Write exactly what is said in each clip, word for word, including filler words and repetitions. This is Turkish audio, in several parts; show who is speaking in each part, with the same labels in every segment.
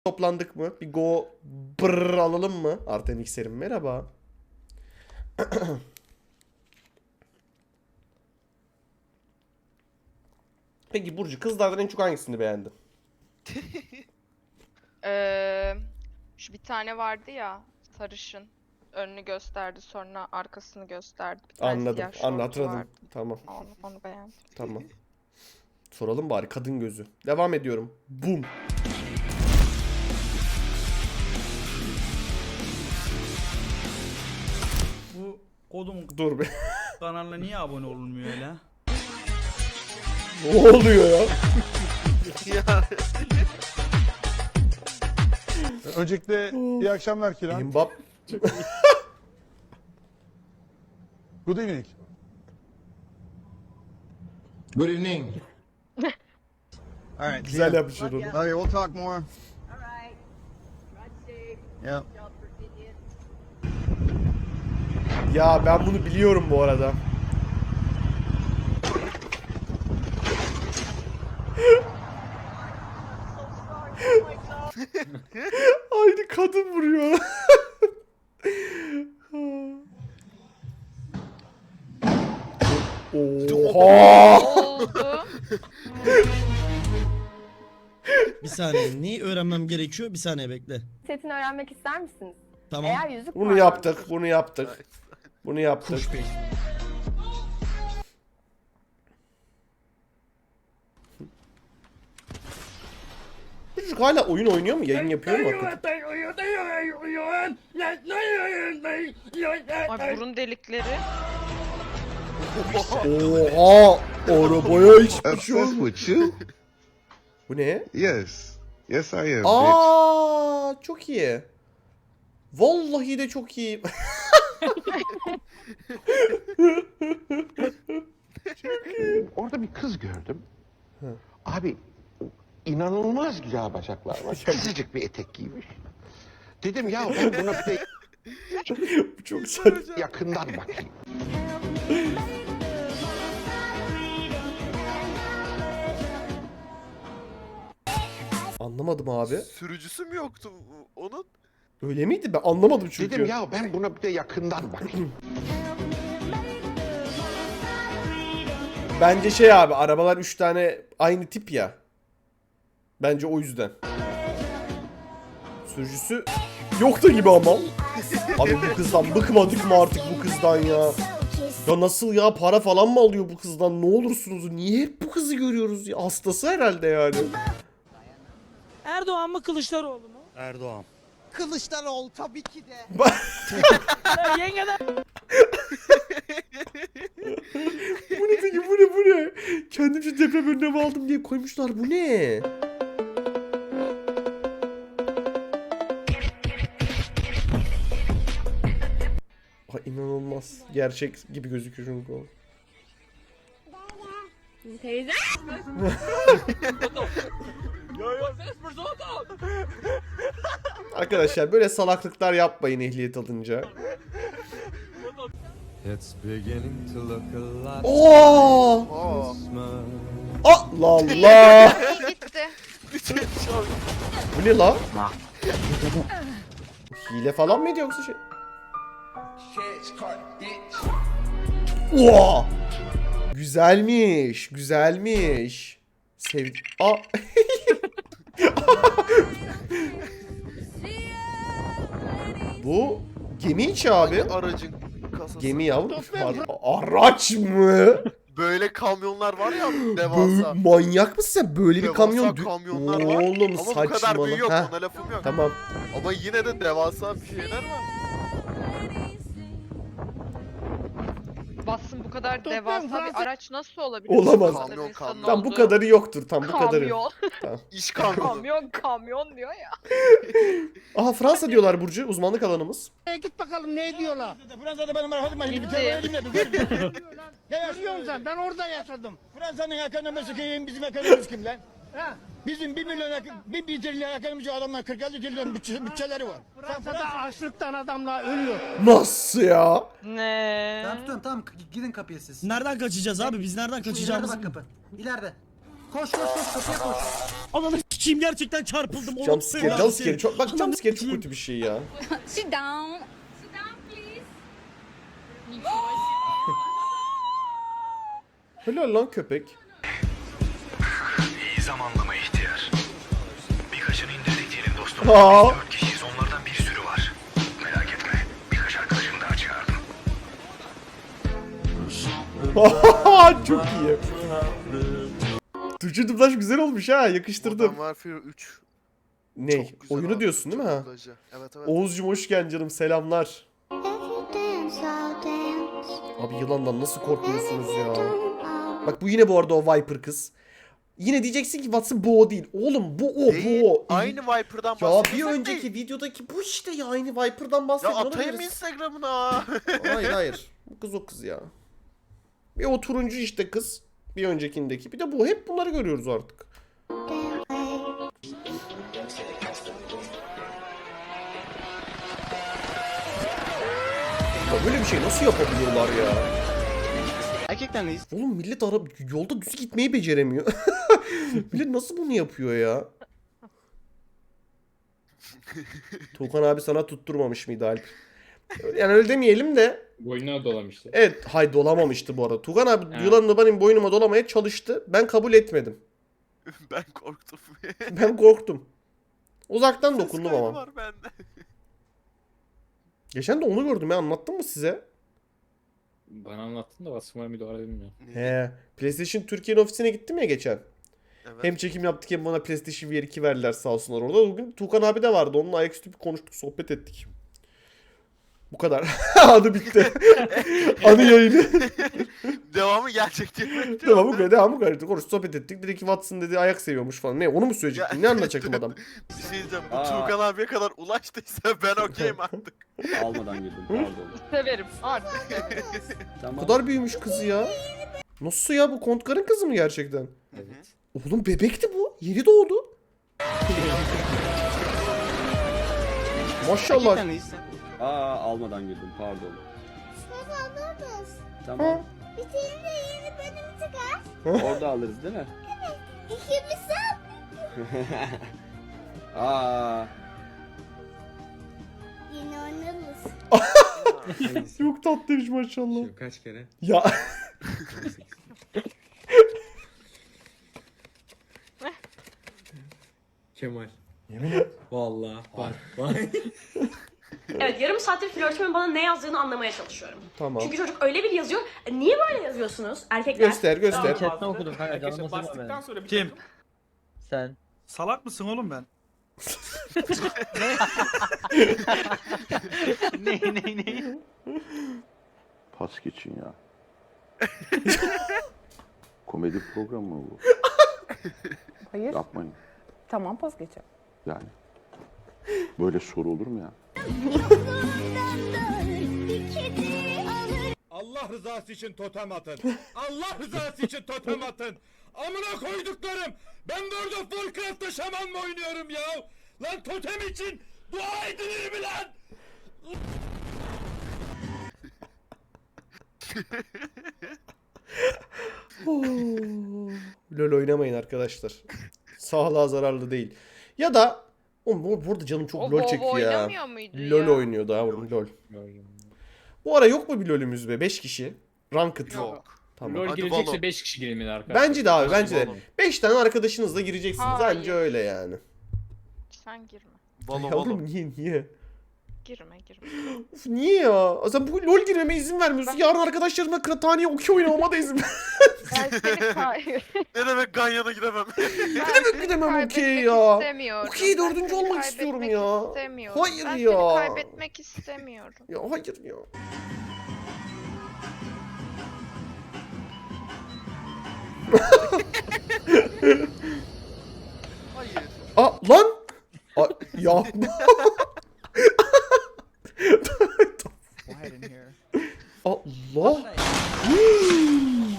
Speaker 1: Toplandık mı? Bir go brrr alalım mı? Arten X'erim merhaba. Peki Burcu, kızlardan en çok hangisini beğendin?
Speaker 2: Ee, şu bir tane vardı ya, sarışın. Önünü gösterdi, sonra arkasını gösterdi. Bir tane
Speaker 1: Anladım.
Speaker 2: siyah şortu
Speaker 1: Anlatırdım.
Speaker 2: vardı.
Speaker 1: Tamam.
Speaker 2: Onu, onu beğendim.
Speaker 1: Tamam. Soralım bari, kadın gözü. Devam ediyorum. Bum.
Speaker 3: Bu kodumun
Speaker 1: Dur be.
Speaker 3: kanalına niye abone olunmuyor öyle?
Speaker 1: Ne oluyor ya?
Speaker 4: Öncelikle iyi akşamlar Kiran.
Speaker 1: Mbap.
Speaker 4: Good evening.
Speaker 5: Good evening.
Speaker 4: All right.
Speaker 1: Güzel yapmışlar onu.
Speaker 4: Okay, we'll talk more.
Speaker 6: All right. Ride safe.
Speaker 4: Yep.
Speaker 6: Y'all Virginia.
Speaker 1: Ya ben bunu biliyorum bu arada. Aynı kadın vuruyor. Oha!
Speaker 2: Oldu.
Speaker 7: Bir saniye. Neyi öğrenmem gerekiyor? Bir saniye bekle.
Speaker 8: Setini öğrenmek ister misiniz?
Speaker 7: Tamam.
Speaker 8: Eğer yüzük
Speaker 1: Bunu
Speaker 8: parmağınız-
Speaker 1: yaptık, bunu yaptık. Bunu yaptık. Çocuk hala oyun oynuyor mu? Yayın yapıyor mu hakikaten?
Speaker 2: Ay, burun delikleri.
Speaker 1: Oha! Arabaya hiçbir şey
Speaker 5: Obsessed
Speaker 1: olmuyor.
Speaker 5: with you?
Speaker 1: Bu ne?
Speaker 5: Yes. Yes, I am, bitch.
Speaker 1: Aa, çok iyi. Vallahi de çok iyi.
Speaker 9: Orada bir kız gördüm. Abi inanılmaz güzel bacaklar var. Kısacık bir etek giymiş. Dedim ya ben buna bir de
Speaker 1: Bu çok saçma.
Speaker 9: yakından bakayım.
Speaker 1: Anlamadım abi.
Speaker 10: Sürücüsü mü yoktu onun?
Speaker 1: Öyle miydi? Ben anlamadım çünkü.
Speaker 9: Dedim ya ben buna bir de yakından bakayım.
Speaker 1: Bence şey abi, arabalar üç tane aynı tip ya. Bence o yüzden. Sürücüsü yok da gibi ama. Abi bu kızdan bıkmadık mı artık bu kızdan ya? Ya nasıl ya, para falan mı alıyor bu kızdan? Ne olursunuz, niye hep bu kızı görüyoruz ya? Hastası herhalde yani.
Speaker 3: Erdoğan mı Kılıçdaroğlu mu?
Speaker 7: Erdoğan.
Speaker 11: Kılıçdaroğlu tabii ki de.
Speaker 3: Ya yengeden
Speaker 1: Bu ne peki, bu ne bu ne? Kendimce deprem önlemi aldım diye koymuşlar, bu ne? Ay inanılmaz. Gerçek gibi gözüküyor çünkü o.
Speaker 8: Teyze.
Speaker 1: Arkadaşlar böyle salaklıklar yapmayın ehliyet alınca. Oo!
Speaker 10: Aa.
Speaker 1: Allah Allah!
Speaker 2: İyi gitti.
Speaker 1: Bu ne la? Hile falan mıydı yoksa şey? Oha! Güzelmiş, güzelmiş. Sev... Aa! Bu gemi içi abi.
Speaker 10: Aracın kasası.
Speaker 1: Gemi yavrum. Ar- Araç mı?
Speaker 10: Böyle kamyonlar var ya
Speaker 1: Böyle,
Speaker 10: devasa.
Speaker 1: manyak mısın sen? Böyle bir
Speaker 10: Devasa
Speaker 1: kamyon... dü-
Speaker 10: kamyonlar var.
Speaker 1: Oğlum
Speaker 10: Ama bu kadar
Speaker 1: saçmalama.
Speaker 10: büyüğü yok,
Speaker 1: Heh,
Speaker 10: ona lafım yok.
Speaker 1: tamam.
Speaker 10: Ama yine de devasa bir şeyler var.
Speaker 2: Bassın, bu kadar devasa bir araç nasıl olabilir?
Speaker 1: Olamaz.
Speaker 2: Bu kadar
Speaker 10: Kamyon,
Speaker 2: insanın
Speaker 10: kamyon.
Speaker 1: Tam bu
Speaker 2: olduğu.
Speaker 1: kadarı yoktur. Tam bu kadarı.
Speaker 2: Kamyon.
Speaker 10: İş kamyonu.
Speaker 2: Kamyon, kamyon diyor ya.
Speaker 1: Aha, Fransa diyorlar Burcu. Uzmanlık alanımız.
Speaker 11: E, git bakalım ne diyorlar.
Speaker 3: Fransa'da benim hadi ben
Speaker 2: Gitti.
Speaker 11: Ne yaşıyorsun sen? Ben orada yaşadım.
Speaker 3: Fransa'nın ekonomisi kim, bizim ekonomimiz kim lan? Bizim bir milyon, bir, bir trilyon ekonomisi adamlar kırk altı trilyon bütçe, bütçeleri var.
Speaker 11: Fransa'da açlıktan adamlar ölüyor.
Speaker 1: Nasıl ya?
Speaker 2: Ne?
Speaker 11: Ben tutuyorum tamam gidin kapıya siz.
Speaker 7: Nereden kaçacağız abi? Biz nereden kaçacağımız?
Speaker 11: kapı. İleride. Koş koş koş kapıya koş.
Speaker 7: Ananı s**eyim. sikeyim gerçekten çarpıldım. Oğlum,
Speaker 1: Jumpscare,
Speaker 7: ya,
Speaker 1: jumpscare
Speaker 7: seni.
Speaker 1: çok bak
Speaker 7: Ananı
Speaker 1: jumpscare çok
Speaker 7: sikeyim.
Speaker 1: kötü bir şey ya.
Speaker 8: Sit down. Sit down please.
Speaker 1: Helal lan köpek.
Speaker 5: İyi zamanlama ihtiyar. Birkaçını indirdik diyelim dostum.
Speaker 1: Aa.
Speaker 5: Biz dört kişiyiz, onlardan bir sürü var. Merak etme, birkaç arkadaşımı daha çağırdım.
Speaker 1: Çok iyi. Türkçe dublaj güzel olmuş ha, yakıştırdım.
Speaker 10: Modern Warfare üç.
Speaker 1: Ne?
Speaker 10: Çok güzel
Speaker 1: Oyunu
Speaker 10: abi,
Speaker 1: diyorsun değil mi ha?
Speaker 10: dublajı. Evet evet.
Speaker 1: Oğuzcum hoş geldin canım, selamlar. Abi yılandan nasıl korkmuyorsunuz ya? Bak bu yine bu arada o Viper kız. Yine diyeceksin ki Watson bu o değil. Oğlum bu o,
Speaker 10: Değil,
Speaker 1: bu o.
Speaker 10: aynı Viper'dan
Speaker 1: Ya
Speaker 10: bahsediyorsak
Speaker 1: bir önceki
Speaker 10: değil.
Speaker 1: videodaki bu işte ya, aynı Viper'dan
Speaker 10: Ya
Speaker 1: bahsediyor
Speaker 10: atayım
Speaker 1: olabiliriz.
Speaker 10: Instagram'ına.
Speaker 1: Hayır hayır. Bu kız o kız ya. Bir o turuncu işte kız. Bir öncekindeki. Bir de bu. Hep bunları görüyoruz artık. Ya böyle bir şey nasıl yapabiliyorlar ya?
Speaker 7: Gerçekten reis.
Speaker 1: Oğlum millet ara yolda düz gitmeyi beceremiyor. Millet nasıl bunu yapıyor ya? Tuğkan abi sana tutturmamış mıydı Alp? Yani öyle demeyelim de.
Speaker 12: Boynuna dolamıştı.
Speaker 1: Evet, hay dolamamıştı bu arada. Tuğkan abi
Speaker 12: Evet.
Speaker 1: yılanını benim boynuma dolamaya çalıştı. Ben kabul etmedim.
Speaker 10: Ben korktum.
Speaker 1: Ben korktum. Uzaktan
Speaker 10: Ses
Speaker 1: dokundum
Speaker 10: kaydı
Speaker 1: ama.
Speaker 10: var bende.
Speaker 1: Geçen de onu gördüm ya, anlattım mı size?
Speaker 12: Bana anlattın da basmaya müdahale bilmiyorum.
Speaker 1: He. PlayStation Türkiye'nin ofisine gittim ya geçen.
Speaker 10: Evet.
Speaker 1: Hem çekim yaptık hem bana PlayStation V R iki verdiler sağ olsunlar orada. Bugün Tuğkan abi de vardı. Onunla ayaküstü bir konuştuk, sohbet ettik. Bu kadar. Adı bitti. Anı yayını.
Speaker 10: Devamı gelecek diye bekliyorum.
Speaker 1: Tamam bu kadar. Devam bu kadar. Konuştuk, sohbet ettik. Dedi ki Watson dedi ayak seviyormuş falan. Ne, onu mu söyleyecektin? Ne anlatacaktım adam?
Speaker 10: Bir şey diyeceğim. Bu Tuğkan abiye kadar ulaştıysa ben okeyim artık.
Speaker 12: Almadan girdim pardon.
Speaker 2: Severim artık severim.
Speaker 1: Bu kadar büyümüş kızı ya. Nasıl ya, bu Kontkar'ın kızı mı gerçekten?
Speaker 12: Evet.
Speaker 1: Oğlum bebekti bu. Yeni doğdu. Maşallah.
Speaker 12: Aa almadan girdim pardon. Tamam.
Speaker 8: Bir tane de yeni bölüm çıkar.
Speaker 12: Orada alırız değil mi?
Speaker 8: İkimiz
Speaker 12: Aa.
Speaker 8: yine oynarız.
Speaker 1: Çok tatlıymış maşallah.
Speaker 12: Kaç kere?
Speaker 1: Ya.
Speaker 12: Kemal. Yemin et. Vallahi var. Var.
Speaker 8: Evet, yarım saattir flörtümün bana ne yazdığını anlamaya çalışıyorum.
Speaker 1: Tamam.
Speaker 8: Çünkü çocuk öyle bir yazıyor. E, niye böyle yazıyorsunuz erkekler?
Speaker 1: Göster göster.
Speaker 12: Chatten okudum kanka canım bastıktan sonra
Speaker 11: Kim?
Speaker 12: Sen.
Speaker 11: Salak mısın oğlum ben?
Speaker 12: ne ne ne?
Speaker 5: Pas geçin ya. Komedi programı mı bu?
Speaker 8: Hayır.
Speaker 5: Yapmayın.
Speaker 8: Tamam, pas geçelim.
Speaker 5: Yani. Böyle soru olur mu ya?
Speaker 3: Allah rızası için totem atın. Allah rızası için totem atın. Amına koyduklarım. Ben de orada Warcraft'ta şaman mı oynuyorum ya? Lan totem için dua edilir mi lan?
Speaker 1: LOL oynamayın arkadaşlar. Sağlığa zararlı değil. Ya da oğlum bu- burada canım çok
Speaker 2: O
Speaker 1: LOL
Speaker 2: WoW
Speaker 1: çekiyor ya.
Speaker 2: oynamıyor muydu
Speaker 1: LOL
Speaker 2: ya?
Speaker 1: oynuyor daha oğlum LOL. Bu ara yok mu bir LOL'ümüz be? beş kişi. Ranked.
Speaker 10: Yok.
Speaker 1: Tamam.
Speaker 12: LoL
Speaker 10: Hadi
Speaker 12: girecekse
Speaker 10: balon.
Speaker 12: beş kişi girilmeli arkadaşlar.
Speaker 1: Bence de abi, bence de.
Speaker 10: Balon.
Speaker 1: beş tane arkadaşınızla gireceksiniz.
Speaker 2: Hayır.
Speaker 1: Anca öyle yani.
Speaker 2: Sen girme.
Speaker 10: Balo
Speaker 1: Ya
Speaker 10: balo.
Speaker 1: oğlum niye niye?
Speaker 2: Girme girme.
Speaker 1: Of, niye ya? Sen bu LOL girmeme izin vermiyorsun. Yarın arkadaşlarımla kırtaniye okey oynamama da izin ver.
Speaker 2: Ben seni kay
Speaker 10: Ne demek Ganyan'a gidemem?
Speaker 2: ben
Speaker 1: demek
Speaker 2: seni
Speaker 1: gidemem okey
Speaker 2: kaybetmek
Speaker 1: ya?
Speaker 2: istemiyorum.
Speaker 1: Okey,
Speaker 2: Ben
Speaker 1: dördüncü
Speaker 2: seni
Speaker 1: olmak istiyorum
Speaker 2: kaybetmek
Speaker 1: ya.
Speaker 2: istemiyorum.
Speaker 1: Hayır
Speaker 2: ben
Speaker 1: ya.
Speaker 2: seni kaybetmek istemiyorum.
Speaker 1: Ya hayır ya.
Speaker 10: Hayır.
Speaker 1: Aa lan. Aa, ya. Allah. Hmm.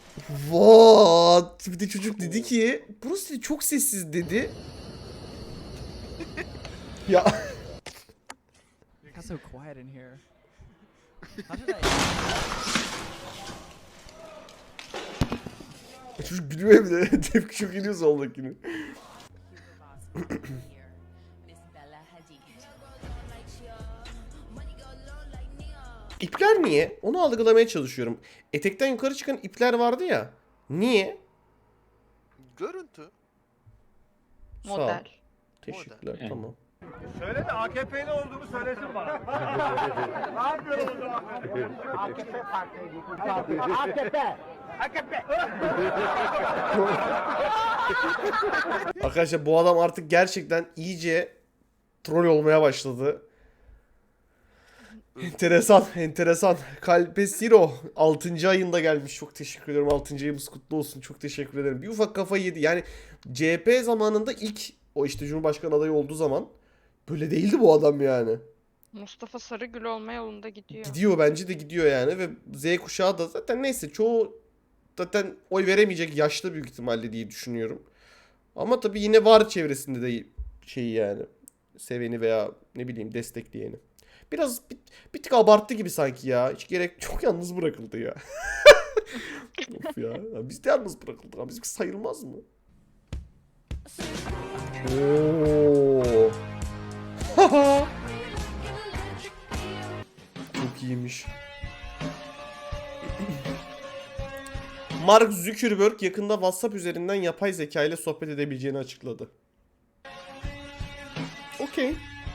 Speaker 1: What? Bir de çocuk dedi ki burası dedi, çok sessiz dedi. Ya.
Speaker 11: so quiet in here.
Speaker 1: Çocuk gülüyor bir de. Tepki çok iniyor soldakini. İpler niye? Onu algılamaya çalışıyorum. Etekten yukarı çıkan ipler vardı ya. Niye?
Speaker 10: Görüntü.
Speaker 1: Sağ ol.
Speaker 2: Model.
Speaker 1: Teşekkürler,
Speaker 12: Yani.
Speaker 1: tamam.
Speaker 3: Söyle de A K P'li olduğumu söylesin bana. Ne yapıyorum o zaman?
Speaker 11: A K P partisi. A K P. A K P.
Speaker 1: Arkadaşlar bu adam artık gerçekten iyice troll olmaya başladı. Enteresan, enteresan. Kalpesiro altıncı ayında gelmiş. Çok teşekkür ederim. altıncı ayımız kutlu olsun. Çok teşekkür ederim. Bir ufak kafayı yedi. Yani C H P zamanında ilk o işte Cumhurbaşkanı adayı olduğu zaman böyle değildi bu adam yani.
Speaker 2: Mustafa Sarıgül olma yolunda gidiyor.
Speaker 1: Gidiyor, bence de gidiyor yani ve Z kuşağı da zaten neyse çoğu zaten oy veremeyecek yaşta büyük ihtimalle diye düşünüyorum. Ama tabii yine var çevresinde de şeyi yani seveni veya ne bileyim destekleyeni. Biraz bir, bir tık abarttı gibi sanki ya. Hiç gerek çok yalnız bırakıldı ya. Of ya. Ya biz de yalnız bırakıldık. Ama bizimki sayılmaz mı? Oo. Çok iyiymiş. Mark Zuckerberg yakında WhatsApp üzerinden yapay zeka ile sohbet edebileceğini açıkladı. Okey.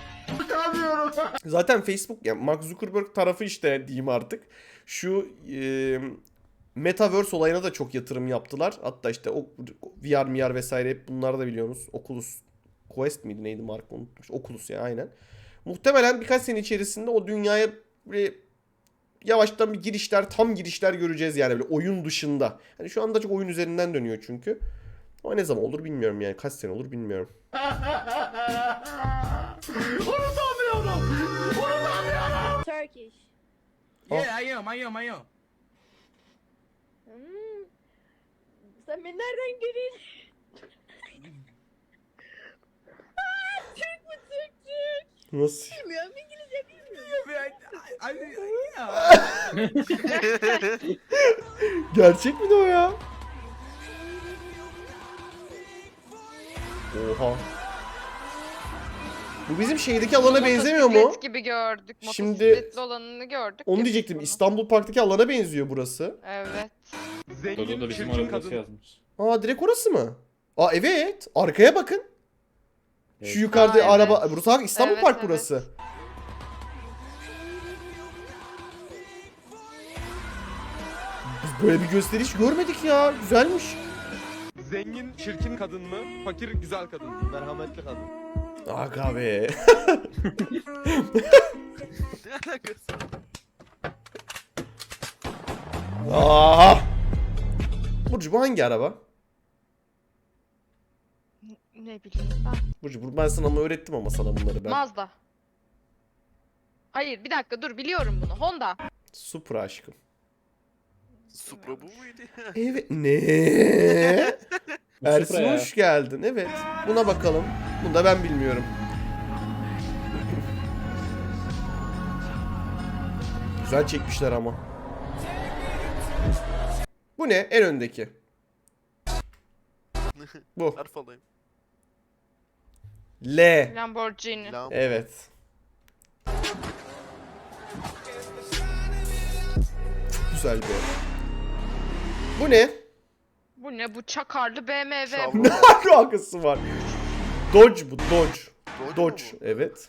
Speaker 1: Zaten Facebook, yani Mark Zuckerberg tarafı işte diyeyim artık. Şu e, Metaverse olayına da çok yatırım yaptılar. Hatta işte o V R, M R vesaire hep bunları da biliyorsunuz. Oculus Quest miydi neydi marka unutmuş. Oculus ya aynen. Muhtemelen birkaç sene içerisinde o dünyaya böyle yavaştan bir girişler, tam girişler göreceğiz yani böyle oyun dışında. Hani şu anda çok oyun üzerinden dönüyor çünkü. Ama ne zaman olur bilmiyorum yani. Kaç sene olur bilmiyorum.
Speaker 6: Turkish.
Speaker 11: Yeah, I am, I am, I am.
Speaker 6: Hmm. Sen beni nereden görüyorsun? Aa, Türk mü Türk Türk?
Speaker 1: Nasıl?
Speaker 6: Bilmiyorum İngilizce bilmiyorum.
Speaker 1: Gerçek mi de o ya? Oha. Bu bizim şeydeki alana benzemiyor mu?
Speaker 2: Motosiklet gibi gördük.
Speaker 1: Şimdi-
Speaker 2: Motosikletli olanını gördük.
Speaker 1: Onu
Speaker 2: ya
Speaker 1: diyecektim.
Speaker 2: biz bunu.
Speaker 1: İstanbul Park'taki alana benziyor burası.
Speaker 2: Evet.
Speaker 12: Dodo da bizim arabası yazmış.
Speaker 1: Aa direkt orası mı? Aa evet. Arkaya bakın.
Speaker 12: Evet.
Speaker 1: Şu yukarıda
Speaker 2: Aa, evet.
Speaker 1: araba. Burası bak İstanbul
Speaker 2: Evet,
Speaker 1: Park
Speaker 2: evet.
Speaker 1: burası. Biz böyle bir gösteriş görmedik ya. Güzelmiş.
Speaker 3: Zengin çirkin kadın mı? Fakir güzel kadın mı? Merhametli kadın.
Speaker 1: Aga be.
Speaker 10: Ne alakası?
Speaker 1: Aa! Burcu bu hangi araba?
Speaker 2: Ne bileyim ben.
Speaker 1: Burcu bu- ben sana ama öğrettim ama sana bunları ben.
Speaker 2: Mazda. Hayır bir dakika dur biliyorum bunu. Honda.
Speaker 1: Supra aşkım.
Speaker 10: Supra bu muydu?
Speaker 1: Evet. Ne?
Speaker 12: Bu
Speaker 1: Ersin
Speaker 12: Supra ya.
Speaker 1: hoş geldin. Evet. Buna bakalım. Bunu da ben bilmiyorum. Güzel çekmişler ama. Bu ne? En öndeki. Bu.
Speaker 10: Harf alayım.
Speaker 1: L.
Speaker 2: Lamborghini.
Speaker 10: Lam.
Speaker 1: Evet. Güzel bir. Bu ne?
Speaker 2: Bu ne? Bu çakarlı B M W.
Speaker 10: Şavron.
Speaker 1: Ne alakası var? Dodge bu. Dodge.
Speaker 10: Dodge
Speaker 1: Dodge.
Speaker 10: mu bu?
Speaker 1: Evet.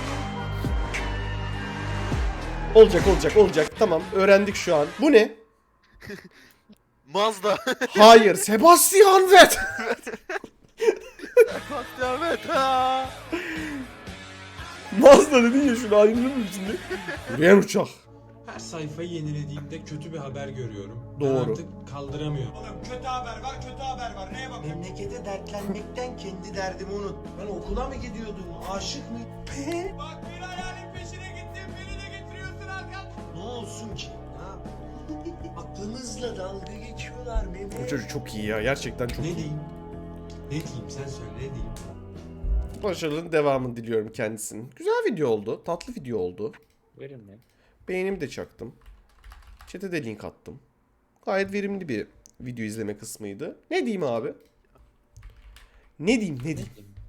Speaker 1: Olacak olacak olacak. Tamam öğrendik şu an. Bu ne?
Speaker 10: Mazda.
Speaker 1: Hayır. Sebastian Vettel.
Speaker 10: Evet ha.
Speaker 1: Mazda dedin ya şunu ayrılır mı şimdi? Yürüyen uçak.
Speaker 12: Her sayfayı yenilediğimde kötü bir haber görüyorum.
Speaker 1: Doğru.
Speaker 12: Ben artık kaldıramıyorum.
Speaker 3: Oğlum kötü haber var, kötü haber var. Neye bak?
Speaker 11: Memlekete dertlenmekten kendi derdimi unut. Ben okula mı gidiyordum? Aşık mı?
Speaker 3: Bak bir hayalin peşine gittin, beni de getiriyorsun arkamdan.
Speaker 11: Ne olsun ki? Ha? Aklımızla dalga geçiyorlar Mehmet.
Speaker 1: Bu çocuk çok iyi ya. Gerçekten çok
Speaker 12: Ne
Speaker 1: iyi.
Speaker 12: diyeyim? Ne diyeyim sen söyle ne diyeyim?
Speaker 1: Başarıların devamını diliyorum kendisinin. Güzel video oldu. Tatlı video oldu.
Speaker 12: Verin mi?
Speaker 1: Beğenimi de çaktım. Chat'e de link attım. Gayet verimli bir video izleme kısmıydı. Ne diyeyim abi? Ne diyeyim ne diyeyim?